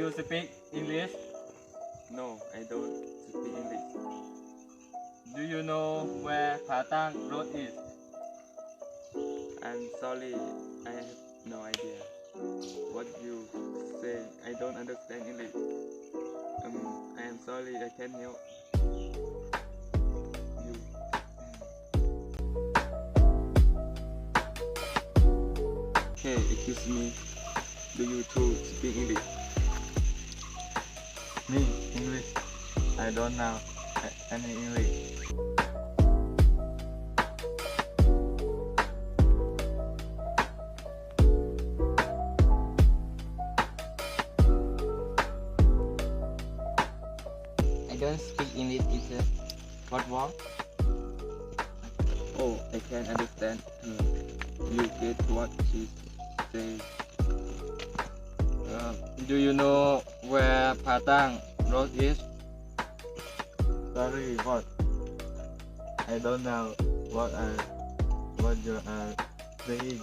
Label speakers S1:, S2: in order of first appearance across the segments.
S1: you speak English?
S2: No, I don't speak English.
S1: Do you know where Patang Road is?
S2: I'm sorry, I have no idea. What you say? I don't understand English. I am sorry, I can't help you. Okay, excuse me. Do you two speak English?
S1: Me, English. I don't know any English.
S3: I don't speak English either. What wrong?
S2: Oh, I can understand her. You get what she says.
S1: Do you know where Patang Road is? Sorry, what? I don't know what you are saying.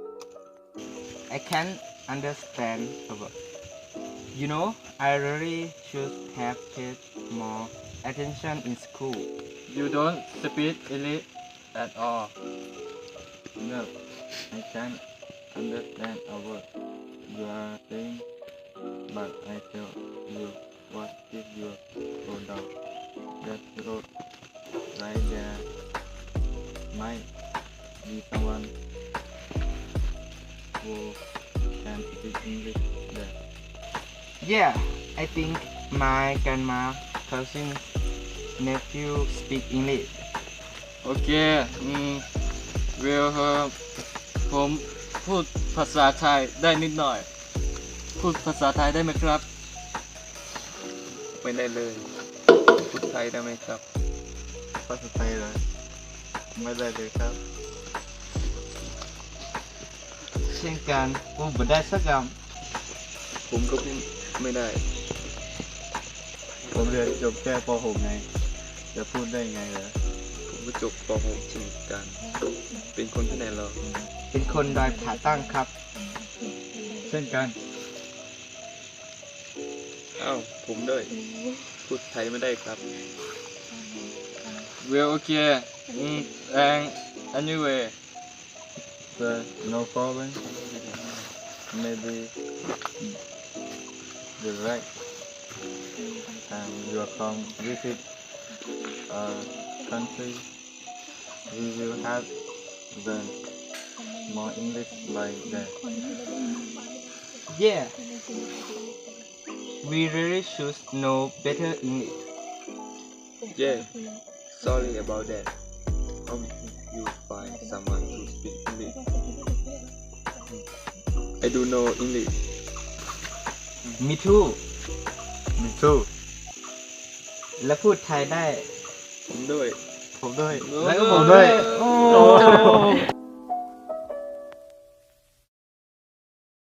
S3: I can't understand about. You know, I really should have paid more attention in school.
S1: You don't speak English at all. No, I can't understand a word you are saying, but I tell you what if you go down that road right there might be someone who can speak English there.
S3: Yeah, I think my grandma, cousin, nephew speak English.
S1: โอเคผมพูดภาษาไทยได้นิดหน่อย พูดภาษาไทยได้ไหมครับ
S2: ไม่ได้เลยพูดไทยได้ไหมครับ
S1: ภาษาไทยเลยไม่ได้เลยครับ
S3: เช่นกันผมไม่ได้สักค
S2: ผมก็ไม่ได้
S1: ผมเรียนจบแค่ป .6 ไง จะพูดได้ไงเหรอ
S2: ผมก็จบป .6 เช่นกัน เป็นคนที่ไหนเหรอ
S3: ำเป็นคนดอยผาตั้งครับ
S1: เช่นกัน
S2: อ้าว ผมด้วย พูดไทยไม่ได้ครับ
S1: Well, okay. And anyway, no problem. Maybe the right time you come visit a country, we will have learn more English like that.
S3: Yeah, we really should know better English.
S2: Yeah, sorry about that. Hope you find someone who speak English. I do know English.
S3: Me too.
S1: Me too.
S3: และพูดไทยได้
S2: ผมด้วย
S1: ผมด้วย
S3: แล้วก็ผมด้วย
S1: โอ้